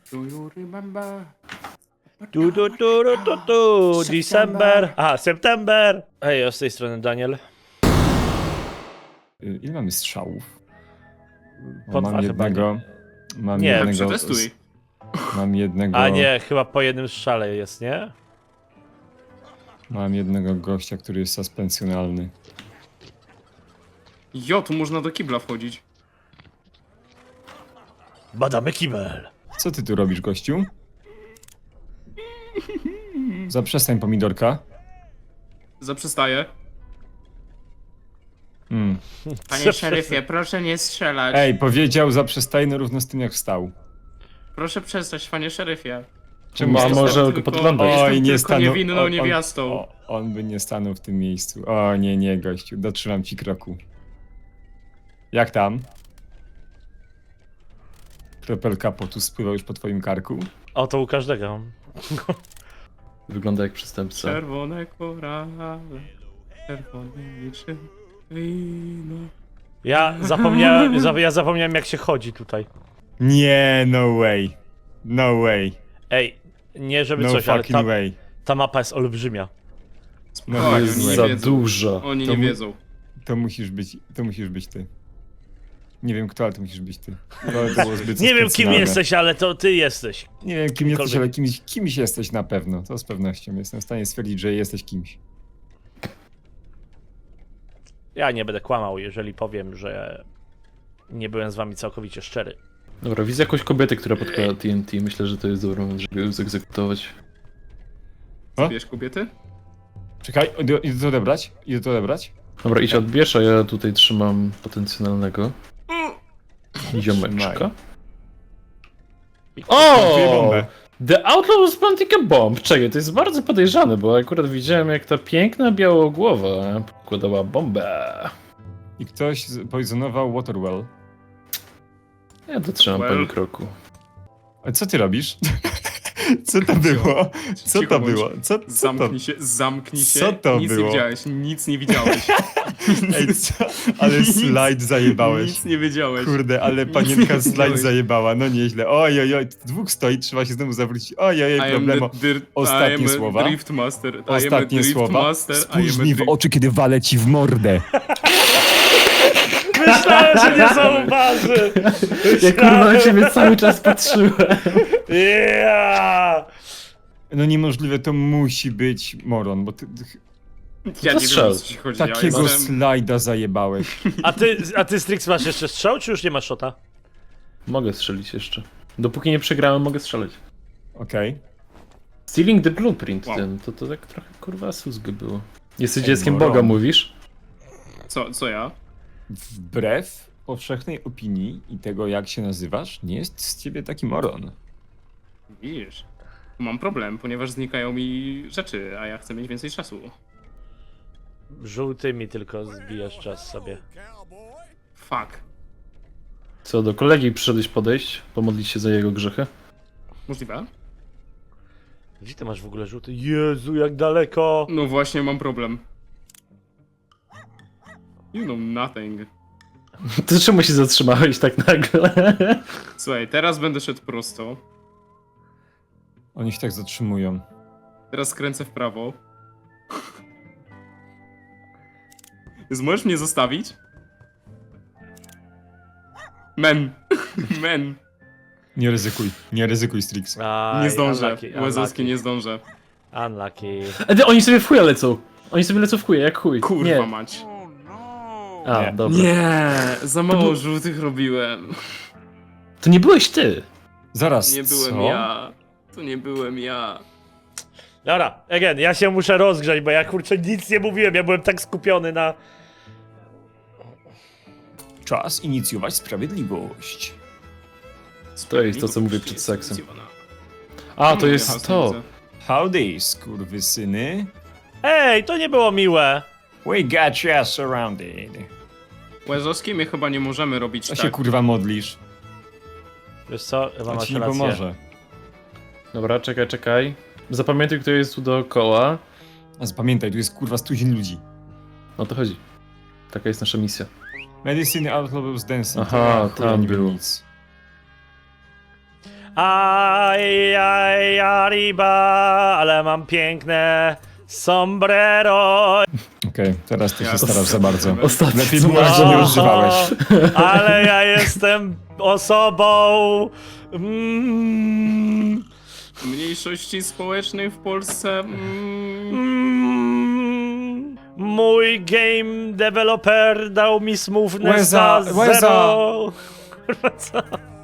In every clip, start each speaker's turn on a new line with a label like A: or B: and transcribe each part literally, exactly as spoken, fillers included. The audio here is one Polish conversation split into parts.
A: Do you remember?
B: Tu, tu, tu, tu, tu, tu. December. Aha, September. Hej, ja z tej strony Daniel.
C: Y, Ile mamy strzałów? O,
B: Po dwa
C: mam
B: chyba,
C: jednego. Mam
B: Nie.
C: jednego.
A: Przetestuj.
C: z- Mam jednego.
B: A nie, chyba po jednym strzale jest, nie?
C: Mam jednego gościa, który jest suspensjonalny.
A: Jo, tu można do kibla wchodzić.
B: Badamy kibel.
C: Co ty tu robisz, gościu? Zaprzestań pomidorka.
A: Zaprzestaję.
C: Mm.
A: Panie szeryfie, proszę nie strzelać.
C: Ej, powiedział zaprzestań no równo z tym jak wstał.
A: Proszę przestać, panie szeryfie.
C: Czemu
D: Ma,
C: stał-
D: może go
A: tylko-
D: podglądać.
A: Jestem
C: Oj, nie
A: tylko
C: stanął.
A: niewinną
C: on-
A: niewiastą.
C: On, on by nie stanął w tym miejscu. O nie, nie, gościu, dotrzymam ci kroku. Jak tam? Kropelka potu spływa już po twoim karku?
B: O, to u każdego.
D: Wygląda jak przestępca.
A: Czerwone korale, czerwone niczym wino.
B: Ja zapomniałem, za- ja zapomniałem jak się chodzi tutaj.
C: Nie, no way. No way.
B: Ej, nie żeby
C: No
B: coś, ale
C: fucking
B: ta,
C: way.
B: ta mapa jest olbrzymia.
C: No
A: Spokojnie,
D: Jest
A: oni nie
D: za
A: wiedzą.
D: dużo.
A: Oni
C: To
A: nie
C: mu-
A: wiedzą.
C: To musisz być, to musisz być ty. Nie wiem kto, ale to musisz być ty. To, to było zbyt
B: Nie wiem kim
C: specjalne.
B: jesteś, ale to ty jesteś.
C: Nie wiem kim jesteś,
B: Kimkolwiek.
C: ale kimś, kimś jesteś na pewno. To z pewnością. Jestem w stanie stwierdzić, że jesteś kimś.
B: Ja nie będę kłamał, jeżeli powiem, że nie byłem z wami całkowicie szczery.
D: Dobra, widzę jakąś kobietę, która podkłada T N T. Myślę, że to jest dobry moment, żeby ją zegzekutować.
C: O?
A: Wiesz, kobiety?
C: Czekaj, idę, idę to odebrać? Idę to odebrać?
D: Dobra, idź odbierz, a ja tutaj trzymam potencjalnego ziomeczka.
C: Plantuję
D: O!
C: bombę.
D: The Outlaw was planting a bomb. Czekaj, to jest bardzo podejrzane, bo akurat widziałem jak ta piękna białogłowa podkładała bombę.
C: I ktoś z- poisonował Waterwell.
D: Ja to trzymam
A: Well.
D: pani kroku.
C: A co ty robisz? Co to było? Co
A: Cicho
C: to
A: bądź.
C: było? Co, co to?
A: Zamknij się, zamknij się.
C: Co to
A: nic
C: było?
A: nie widziałeś, nic nie widziałeś.
C: Ej, co? Ale slajd zajebałeś.
A: Nic nie wiedziałeś.
C: Kurde, ale
A: Nic
C: panienka
A: nie
C: slajd
A: widziałeś.
C: zajebała. No nieźle. Oj, oj, oj. Dwóch stoi, trzeba się znowu zawrócić. Oj, oj,
A: I
C: oj,
A: am
C: problemo.
A: the dir-
C: Ostatnie
A: I am a
C: słowa.
A: Drift Master. I am a
C: Ostatnie
A: Drift
C: słowa.
A: Master. I
C: Spójrz
A: am a
C: mi w
A: drift-
C: oczy, kiedy walę ci w mordę.
B: Myślałem, że nie zauważy!
D: Ja kurwa na ciebie cały czas patrzyłem.
B: Yeah!
C: No niemożliwe, to musi być moron, bo ty, ty
A: Ja nie
D: strzel.
A: wiem, o co ci chodzi.
C: takiego
A: ja jestem...
C: slajda zajebałeś.
B: A ty, a ty Strix masz jeszcze strzał, czy już nie masz shota?
D: Mogę strzelić jeszcze. Dopóki nie przegrałem, mogę strzelać.
C: Okej.
D: Stealing the blueprint,
A: Wow.
D: ten, to, to tak trochę kurwa susgy było. Jesteś
C: Ej,
D: dzieckiem
C: moron.
D: Boga, mówisz?
A: Co, co ja?
C: Wbrew powszechnej opinii i tego, jak się nazywasz, nie jest z ciebie taki moron.
A: Widzisz, mam problem, ponieważ znikają mi rzeczy, a ja chcę mieć więcej czasu.
B: Żółtymi tylko zbijasz czas sobie.
A: Fuck.
D: Co, do kolegi przyszedłeś podejść, pomodlić się za jego grzechy?
A: Możliwe?
B: Gdzie ty masz w ogóle żółty? Jezu, jak daleko!
A: No właśnie, mam problem. You know nothing.
D: To czemu się zatrzymałeś tak nagle?
A: Słuchaj, teraz będę szedł prosto.
C: Oni się tak zatrzymują.
A: Teraz skręcę w prawo. Więc możesz mnie zostawić? Men. Men.
C: Nie ryzykuj, nie ryzykuj, Strix.
B: Aj,
A: Nie zdążę.
B: unlucky,
A: Łezowski nie zdążę.
B: Unlucky.
D: E, ty, oni sobie w chuja lecą. Oni sobie lecą w chuja, jak chuj.
A: Kurwa
D: Nie.
A: mać.
D: A,
C: Nie.
D: dobra.
A: Nie, za mało
D: był-
A: żółtych robiłem.
D: To nie byłeś ty.
C: Zaraz,
A: Nie byłem
C: co?
A: ja. To nie byłem ja.
B: Dobra, again, ja się muszę rozgrzać, bo ja kurczę nic nie mówiłem, ja byłem tak skupiony na...
C: Czas inicjować sprawiedliwość.
D: To jest to, co mówię przed seksem.
A: Inicjowana.
D: A, to
A: Mówię,
D: jest
A: hasło
D: to.
A: widzę.
C: Howdy, skurwysyny.
B: Ej, to nie było miłe!
C: We got you surrounded.
A: Łezowski, my chyba nie możemy robić
C: Co
A: tak.
C: się kurwa modlisz?
B: Wiesz co, chyba
C: To
B: masz
C: ci nie
B: rację.
C: pomoże.
D: Dobra, czekaj, czekaj. Zapamiętaj, kto jest tu dookoła.
C: A zapamiętaj, tu jest kurwa stuzin ludzi.
D: O to chodzi. Taka jest nasza misja.
C: Medicine Outlaws Dancing.
D: Aha,
C: to ja chuja
D: tam
C: nie wiem
D: było.
C: nic.
B: Aj, aj, arriba, ale mam piękne sombrero.
C: Okej, teraz ty się
A: Ja-
C: starasz za bardzo.
D: Ostatnie
C: Lepiej
D: co
C: było, że nie używałeś.
B: Ale ja jestem osobą... Mm,
A: Mniejszości społecznej w Polsce. Mm,
B: mm, mój game developer dał mi smoothness
C: Łeza,
B: za
C: łeza.
B: zero. Kurwa, co?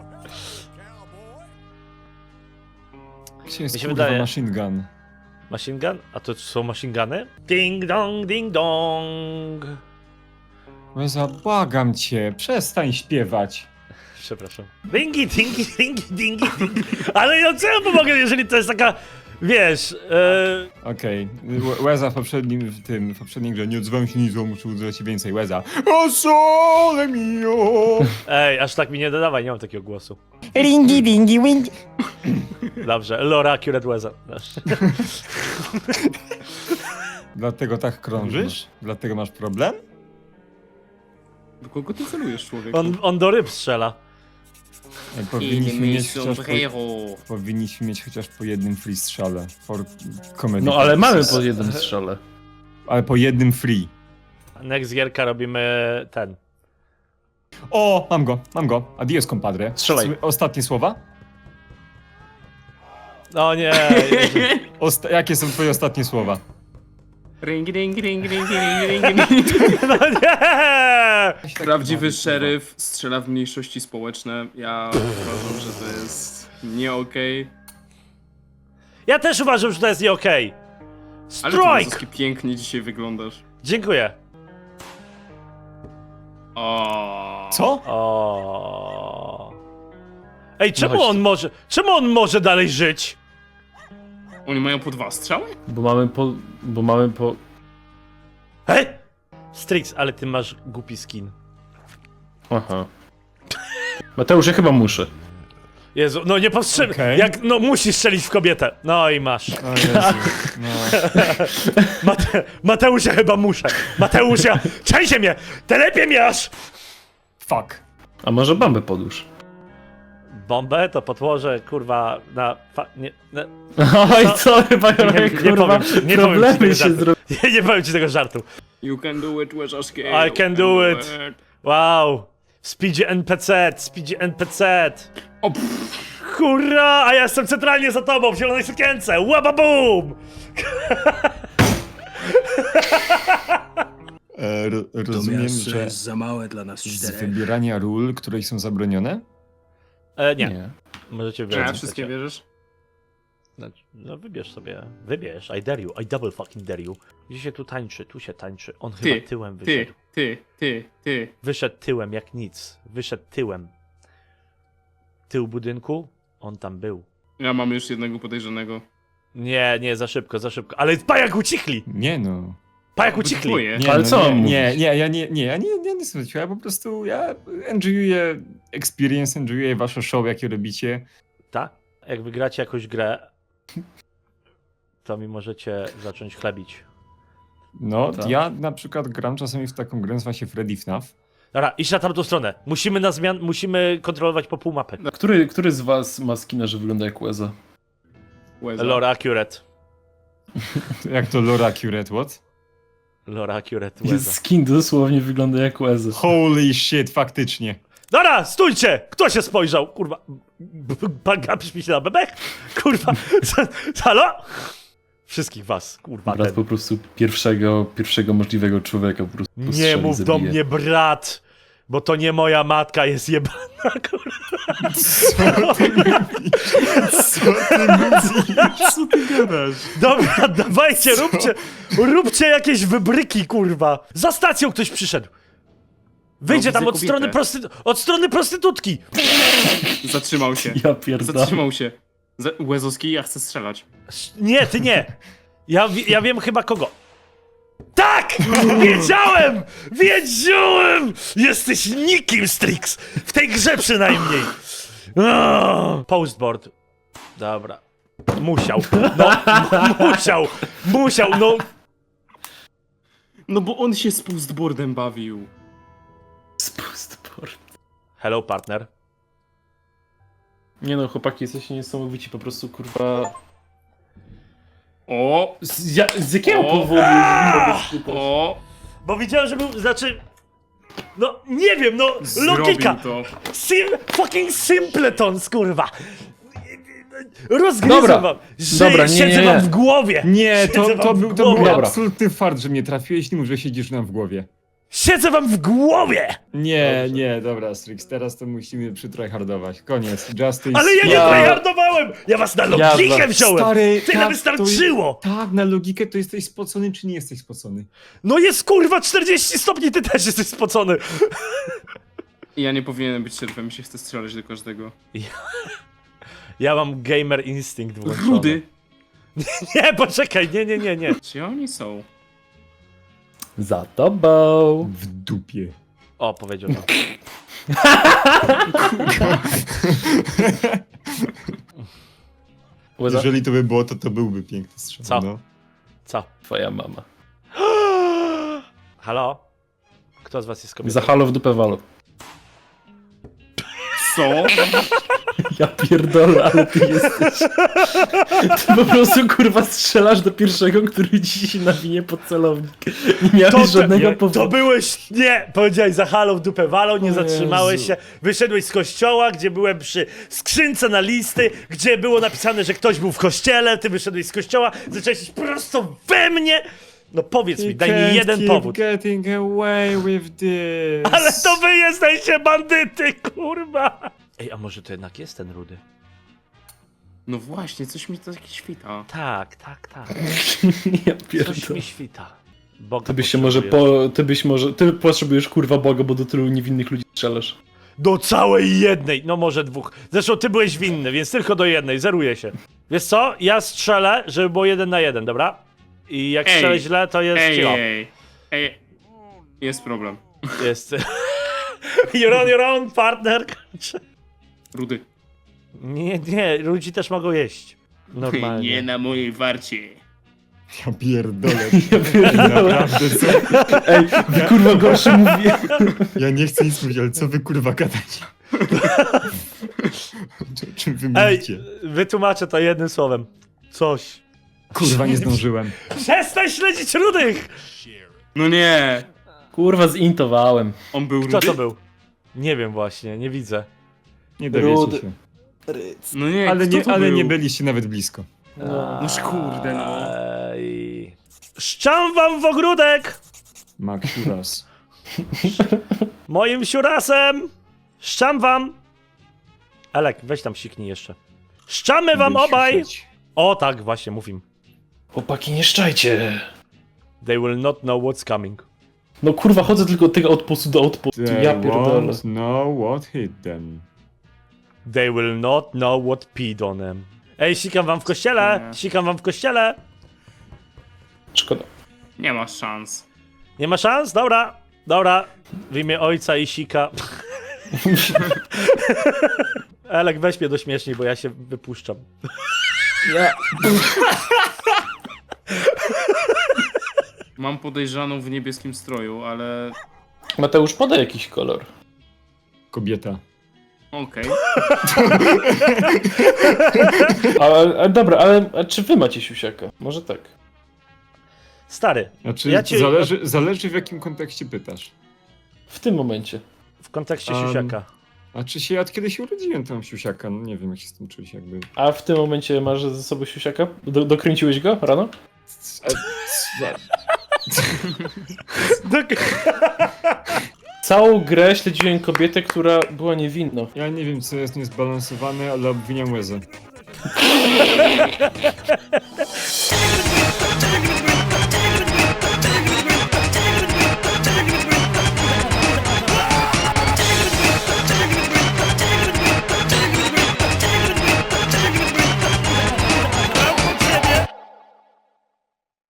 C: Gdzie jest
B: Mi się
C: kurwa
B: wydaje-
C: machine gun?
B: Machine gun? A to są machine guny? Ding dong, ding dong.
C: Łeza, błagam cię, przestań śpiewać.
B: Przepraszam. Dingi, dingi, dingi, dingi, dingi. Ale ja co ja pomogę, jeżeli to jest taka, wiesz, e...
C: Okej, Łe- Łeza w poprzednim, w tym, w poprzedniej grze nie odzywam się nic, bo muszę używać się więcej. Łeza. O sole mio!
B: Ej, aż tak mi nie dodawaj, nie mam takiego głosu.
E: Ringi, dingi, wingi.
B: Dobrze, Lora Accurate Weza.
C: Dlatego tak krążysz? Dlatego masz problem?
A: do kogo ty celujesz, człowieku?
B: On, on do ryb strzela.
C: Ej, Powinniśmy mieć, chociaż po, powinniśmy mieć chociaż po jednym free strzale. For comedy
D: No ale mamy
C: purposes.
D: po jednym strzale.
C: Ale po jednym free.
B: Next gierka robimy ten.
C: O, mam go, mam go. Adios, compadre.
D: Strzelaj.
C: S- Ostatnie słowa?
B: No nie.
C: Osta jakie są twoje ostatnie słowa?
A: Ring, ring, ring, ring, ring, ring, ring.
B: No nie!
A: Prawdziwy szeryf strzela w mniejszości społeczne. Ja uważam, że to jest nie okej.
B: Ja też uważam, że to jest nie okej.
A: Ale ty,
B: Strike!
A: Wazowski, pięknie dzisiaj wyglądasz.
B: Dziękuję.
A: O.
C: Co?
B: O. Ej, czemu
D: chodź
B: on
D: tu.
B: może. Czemu on może dalej żyć?
A: Oni mają po dwa strzały?
D: Bo mamy po... bo mamy po...
B: Hej! Strix, ale ty masz głupi skin.
D: Aha. Mateusz, ja chyba muszę.
B: Jezu, no nie powstrzymaj.
C: Okej.
B: Jak, no musisz strzelić w kobietę. No i masz.
C: O Jezu, no.
B: Mate, Mateusz, ja chyba muszę. Mateusz, ja... Trzęsie mnie! Telepie mnie aż!
C: Fuck.
D: A może bombę podłóż?
B: Bombę to podłożę, kurwa, na... Fa... Nie, na...
D: Oj, co chyba
B: nie, nie
D: kurwa,
B: powiem ci, nie powiem ci
D: problemy
B: tego
D: się
B: żartu.
D: zrobiły.
B: Nie, nie powiem ci tego żartu.
A: You can do it, Wazowski.
B: I can do it. Wow. Speedzie N P C, speedzie N P C.
A: O, pff,
B: Hurra, a ja jestem centralnie za tobą w zielonej sukience. Łababum!
C: E, ro rozumiem,
F: Miasto
C: że
F: jest za małe dla nas
C: z
F: czterech.
C: wybierania ról, które są zabronione?
B: E, nie.
D: Nie.
B: Możecie
A: czy
B: wybierać.
A: na wszystkie bierzesz?
B: Znaczy, no wybierz sobie, wybierz, I dare you, I double fucking dare you. Gdzie się tu tańczy, tu się tańczy, on
A: Ty,
B: chyba tyłem
A: Ty,
B: wyszedł.
A: ty, ty, ty.
B: Wyszedł tyłem jak nic, wyszedł tyłem. Tył budynku, on tam był.
A: Ja mam już jednego podejrzanego.
B: Nie, nie, za szybko, za szybko, ale pajak ucichli,
C: Nie no.
B: pajak ucichli.
A: Twoje.
C: Nie,
D: Ale
C: no,
D: co
C: nie,
D: mam
C: nie,
D: mówić?
C: nie, ja nie, nie, ja nie, nie, nie słuchajcie, ja po prostu, ja enjoyuję experience, enjoyuję wasze show, jakie robicie.
B: Tak? Jak wygracie jakąś grę, to mi możecie zacząć chlebić.
C: No,
D: Tak.
C: ja na przykład gram czasami w taką grę, nazywa się Freddy F N A F.
B: Dobra, idź na tamtą stronę. Musimy na zmian, musimy kontrolować po pół mapy.
D: Który, który z was ma skina, że wygląda jak Łeza?
A: Łeza.
B: Lora Accurate.
C: Jak to Laura Accurate, what?
B: Lora Accurate.
D: Jest
B: Łeza.
D: skin dosłownie wygląda jak Łeza.
C: Holy shit, faktycznie.
B: Dobra, stójcie! Kto się spojrzał? Kurwa. B- b- Pan gapisz mi się na bebek? Kurwa. Co- Halo? Wszystkich was, kurwa.
D: Brat
B: Ten.
D: po prostu pierwszego, pierwszego możliwego człowieka po prostu
B: Nie
D: postrzeli,
B: mów do
D: zabije.
B: mnie brat, bo to nie moja matka jest jebana, kurwa.
C: Co ty mówisz? Co ty mówisz? Co ty gadasz?
B: Dobra, dawajcie, róbcie, róbcie jakieś wybryki, kurwa. Za stacją ktoś przyszedł. Wyjdzie
A: No,
B: tam
A: widzę
B: od strony,
A: kobietę.
B: prosty... od strony prostytutki.
A: Zatrzymał się.
D: Ja pierdolę.
A: Zatrzymał się. Za- Łezowski, ja chcę strzelać.
B: Nie, ty nie. Ja, wi- ja wiem chyba kogo. Tak! Wiedziałem! Wiedziałem! Jesteś nikim, Strix! W tej grze przynajmniej. Oh, postboard. Dobra. Musiał. No, m- musiał. Musiał, no.
A: No bo on się z postboardem bawił.
D: Spustport.
B: Hello, partner.
D: Nie no, chłopaki, jesteście niesamowici, po prostu kurwa...
A: O!
D: Z, ja, z jakiego
A: O!
D: powodu nie mogę spytać?
A: O!
B: Bo widziałem, że był, znaczy... No, nie wiem, no,
A: Zrobił
B: logika!
A: to.
B: Sim, fucking simpletons, kurwa! Rozgryzę
D: Dobra,
B: wam, że
D: dobra, nie,
B: siedzę
D: nie,
B: wam
D: nie.
B: w głowie!
C: Nie, to,
B: Siedzę
C: to,
B: wam
C: był,
B: w
C: to był
B: głowie.
D: Dobra.
C: absolutny fart, że mnie trafiłeś, nie mów, że siedzisz nam w głowie.
B: Siedzę wam w głowie!
C: Nie, nie, dobra, Strix, teraz to musimy przytryhardować. Koniec, Justice.
B: Ale ja nie
D: Ja-
B: tryhardowałem! Ja was na logikę
D: Ja-
B: wziąłem!
C: Stary,
B: Tyle
C: tak,
B: wystarczyło!
C: To, tak, na logikę to jesteś spocony, czy nie jesteś spocony?
B: No jest kurwa czterdzieści stopni, ty też jesteś spocony!
A: Ja nie powinienem być szeryfem, mi się chce strzelać do każdego.
B: Ja mam gamer instynkt włączony.
A: Rudy!
B: Nie, poczekaj, nie, nie, nie, nie.
A: Gdzie oni są?
D: Za tobą.
C: W dupie.
B: O, powiedział to.
D: Łeza?
C: Jeżeli to by było, to to byłby piękny strzał.
B: Co?
C: No.
B: Co?
D: Twoja mama.
B: Halo? Kto z was jest kobietą?
D: Za halo w dupę walo.
A: Co?
D: Ja pierdolę, ale ty jesteś... Ty po prostu kurwa strzelasz do pierwszego, który ci się nawinie pod celownik. Nie miałeś
B: To,
D: żadnego
B: nie,
D: powodu.
B: to byłeś, nie, powiedziałeś za halą w dupę walą, nie
D: O
B: zatrzymałeś
D: Jezu.
B: się, wyszedłeś z kościoła, gdzie byłem przy skrzynce na listy, gdzie było napisane, że ktoś był w kościele, ty wyszedłeś z kościoła, zacząłeś iść prosto we mnie. No powiedz mi, daj mi jeden powód.
C: Getting away with this.
B: Ale to wy jesteście bandyty, kurwa! Ej, a może to jednak jest ten Rudy?
A: No właśnie, coś mi to świta.
B: Tak, tak, tak.
D: Ja
B: Coś
D: pierdolę.
B: mi świta. Boga
D: Ty byś się może
B: potrzebuję.
D: po... Ty byś może... Ty potrzebujesz kurwa Boga, bo do tylu niewinnych ludzi strzelasz.
B: Do całej jednej, no może dwóch. Zresztą ty byłeś winny, więc tylko do jednej, zeruje się. Wiesz co? Ja strzelę, żeby było jeden na jeden, dobra? I jak
A: Ej,
B: strzelę źle, to jest
A: Ej,
B: cicho.
A: ej, ej. Jest problem.
B: Jest. You're on your own, partner.
A: Rudy.
B: Nie, nie, ludzi też mogą jeść. Normalnie.
A: Nie na mojej warcie.
C: Ja pierdolę.
D: Ja pierdolę.
C: Naprawdę, co?
D: Ej, wy kurwa gorszy mówię.
C: Ja nie chcę nic mówić, ale co wy kurwa gadacie? O czym wy
B: Ej,
C: mówicie?
B: wytłumaczę to jednym słowem. Coś.
C: Kurwa, nie zdążyłem.
B: Przestań śledzić rudych!
A: No nie!
D: Kurwa zintowałem.
A: On był
B: Kto
A: rudy?
B: to był? Nie wiem właśnie, nie widzę.
C: Nie dowiecie
D: Rudy.
C: się.
A: No nie,
C: Ale
A: kto
C: nie,
A: to
C: ale
A: był?
C: nie byliście nawet blisko.
D: No.
A: Noż kurde, no.
B: Ej. Szczam wam w ogródek!
C: Max raz.
B: Moim siurasem! Szczam wam! Elek, weź tam siknij jeszcze. Szczamy wam obaj! O tak, właśnie, mów im.
D: Chłopaki, nie szczajcie.
B: They will not know what's coming.
D: No kurwa, chodzę tylko od tego outpostu do outpostu. Ja pierdolę.
C: Won't know what hit them.
B: They will not know what peed on them. Ej, sikam wam w kościele!
A: Nie.
B: Sikam wam w kościele!
D: Szkoda.
A: Nie ma szans.
B: Nie ma szans? Dobra, dobra. W imię ojca i sika. Elek, weź mnie do śmieszniej, bo ja się wypuszczam.
D: Ja...
A: Mam podejrzaną w niebieskim stroju, ale...
D: Mateusz, podaj jakiś kolor.
C: Kobieta.
A: Okej.
D: A, a dobra, ale a czy wy macie siusiaka? Może tak.
B: Stary,
C: Znaczy,
B: Ja cię-
C: zależy, zależy w jakim kontekście pytasz.
D: W tym momencie.
B: w kontekście
C: Um,
B: siusiaka.
C: A czy się od kiedy się urodziłem, to mam siusiaka? No nie wiem, jak się z tym czuć, jakby.
D: A w tym momencie masz ze sobą siusiaka? Do, dokręciłeś go rano? Całą grę śledziłem kobietę, która była niewinna.
C: Ja nie wiem, co jest niezbalansowane, ale obwiniam łezę.